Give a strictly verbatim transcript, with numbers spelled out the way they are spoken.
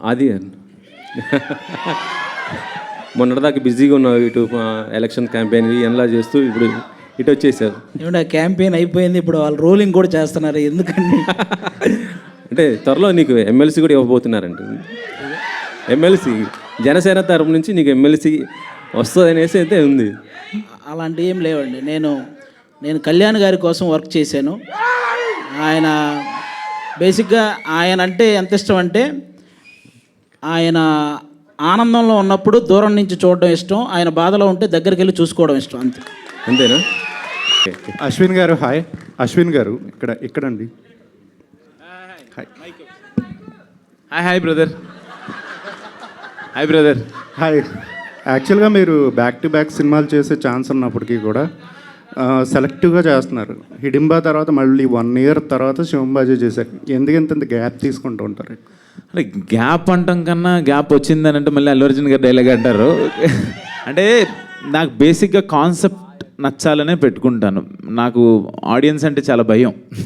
అది మొన్నటిదాకా బిజీగా ఉన్నావు, ఇటు ఎలక్షన్ క్యాంపెయిన్ ఎలా చేస్తూ ఇప్పుడు ఇటు వచ్చేసారు. ఏమన్నా క్యాంపెయిన్ అయిపోయింది, ఇప్పుడు వాళ్ళు రోలింగ్ కూడా చేస్తున్నారు. ఎందుకండి అంటే త్వరలో నీకు ఎమ్మెల్సీ కూడా ఇవ్వబోతున్నారంట. ఎమ్మెల్సీ జనసేన తరపు నుంచి నీకు ఎమ్మెల్సీ వస్తుంది అనేసి అయితే ఉంది. అలాంటివి ఏం లేవండి. నేను నేను కళ్యాణ్ గారి కోసం వర్క్ చేశాను. ఆయన బేసిక్గా ఆయన అంటే ఎంత ఇష్టం అంటే, ఆయన ఆనందంలో ఉన్నప్పుడు దూరం నుంచి చూడడం ఇష్టం, ఆయన బాధలో ఉంటే దగ్గరికి వెళ్ళి చూసుకోవడం ఇష్టం, అంతే. అంతేనా? అశ్విన్ గారు హాయ్. అశ్విన్ గారు ఇక్కడ ఇక్కడండి. Hi hi hi brother. Hi brother. Hi. యాక్చువల్గా మీరు బ్యాక్ టు బ్యాక్ సినిమాలు చేసే ఛాన్స్ ఉన్నప్పటికీ కూడా సెలెక్టివ్గా చేస్తున్నారు. హిడింబా తర్వాత మళ్ళీ వన్ ఇయర్ తర్వాత శివంబాజీ చేశారు. ఎందుకంత గ్యాప్ తీసుకుంటూ ఉంటారు? అంటే గ్యాప్ అంటాం కన్నా గ్యాప్ వచ్చిందని అంటే మళ్ళీ అల్లు అర్జున్ గారు డైలాగ్ అంటారు. అంటే నాకు బేసిక్గా కాన్సెప్ట్ నచ్చాలనే పెట్టుకుంటాను. నాకు ఆడియన్స్ అంటే చాలా భయం.